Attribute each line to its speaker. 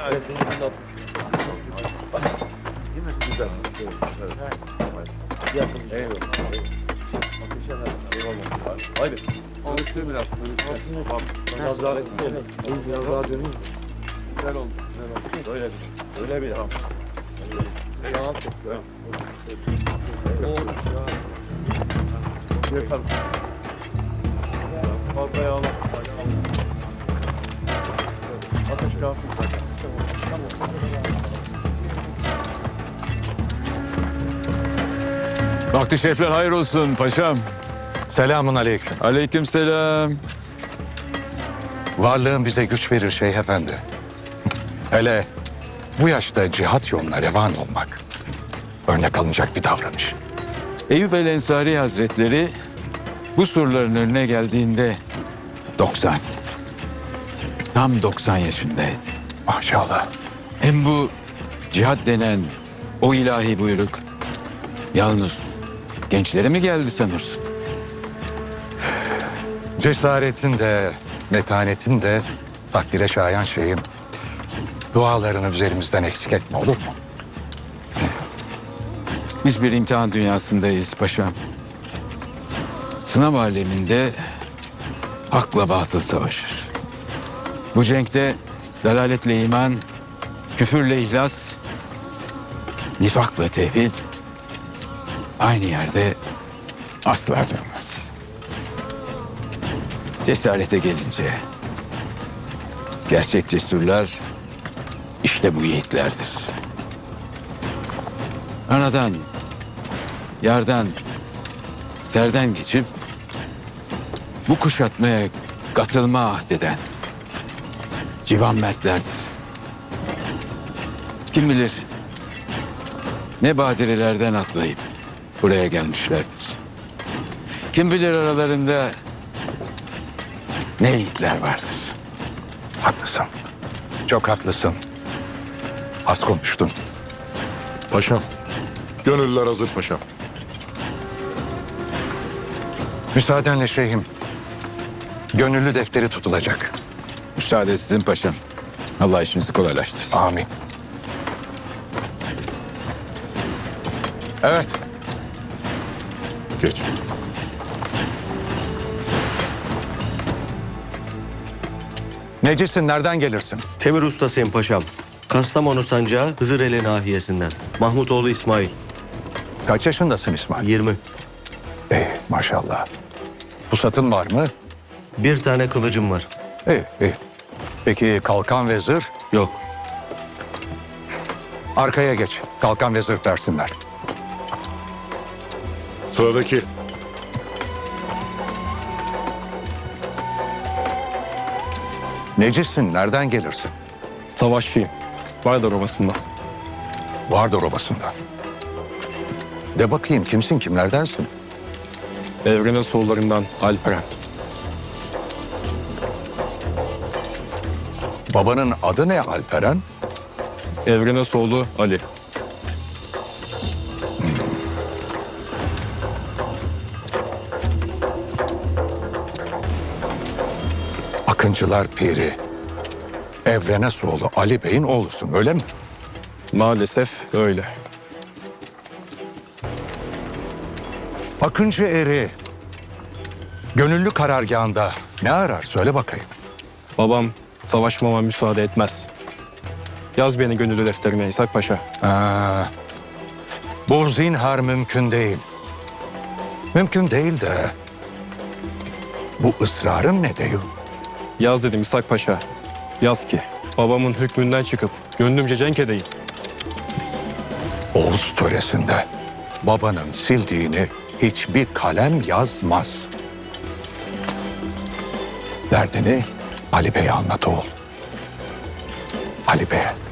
Speaker 1: Güzel. Yakın. Eyvallah. Haydi. Konuştur biraz. Biraz daha biraz daha döneyim. Güzel oldu. Öyle bir. Öyle bir. Tamam. Yalan tutuyor. Yeter. Fazla yağla. Ateş kafi.
Speaker 2: Vakti şerifler hayır olsun paşam.
Speaker 3: Selamun aleyküm.
Speaker 2: Aleykümselam.
Speaker 3: Varlığın bize güç verir Şeyh Efendi. Hele bu yaşta cihat yoluna revan olmak örnek alınacak bir davranış.
Speaker 2: Eyüp el Ensari Hazretleri bu surların önüne geldiğinde 90. Tam 90 yaşındaydı.
Speaker 3: Maşallah.
Speaker 2: Hem bu cihat denen o ilahi buyruk yalnız gençlere mi geldi sanırsın?
Speaker 3: Cesaretin de, metanetin de takdire şayan şeyim. Dualarını üzerimizden eksik etme, olur mu?
Speaker 2: Biz bir imtihan dünyasındayız paşam. Sınav aleminde hakla batıl savaşır. Bu cenkte dalaletle iman, küfürle ihlas, nifakla tevhid aynı yerde asla durmaz. Cesarete gelince gerçek cesurlar işte bu yiğitlerdir. Anadan, yardan, serden geçip bu kuşatmaya katılma ahdeden civan mertlerdir. Kim bilir ne badirelerden atlayıp buraya gelmişlerdir. Kim bilir aralarında ne yiğitler vardır.
Speaker 3: Haklısın. Çok haklısın. Az konuştun.
Speaker 4: Paşam. Gönüllüler hazır paşam.
Speaker 3: Müsaadenle şeyhim. Gönüllü defteri tutulacak.
Speaker 2: Müsaade sizin paşam. Allah işinizi kolaylaştırsın.
Speaker 3: Amin. Evet.
Speaker 4: Geç.
Speaker 3: Necisin, nereden gelirsin?
Speaker 5: Temir ustasıyım paşam. Kastamonu sancağı Hızıreli nahiyesinden. Mahmutoğlu İsmail.
Speaker 3: Kaç yaşındasın İsmail?
Speaker 5: 20.
Speaker 3: Maşallah. Pusatın var mı?
Speaker 5: Bir tane kılıcım var.
Speaker 3: İyi. Peki kalkan ve zırh?
Speaker 5: Yok.
Speaker 3: Arkaya geç. Kalkan ve zırh dersinler.
Speaker 4: Sıradaki.
Speaker 3: Necisin, nereden gelirsin?
Speaker 6: Savaşçıyım. Vardar Ovası'nda.
Speaker 3: Vardır obasında. De bakayım kimsin, kimlerdensin?
Speaker 6: Evrenin soğullarından Alperen.
Speaker 3: Babanın adı ne Alperen?
Speaker 6: Evrenin soğulu Ali.
Speaker 3: Akıncılar Piri. Evrenesoğlu Ali Bey'in oğlusun, öyle mi?
Speaker 6: Maalesef öyle.
Speaker 3: Akıncı eri gönüllü karargahında ne arar, söyle bakayım.
Speaker 6: Babam savaşmama müsaade etmez. Yaz beni gönüllü defterine İshak Paşa.
Speaker 3: Bu zinhar mümkün değil. Mümkün değil de bu ısrarın ne değil?
Speaker 6: Yaz dedim İshak Paşa. Yaz ki babamın hükmünden çıkıp gönlümce cenk edeyim.
Speaker 3: Oğuz töresinde babanın sildiğini hiçbir kalem yazmaz. Derdini Ali Bey'e anlat oğul. Ali Bey'e.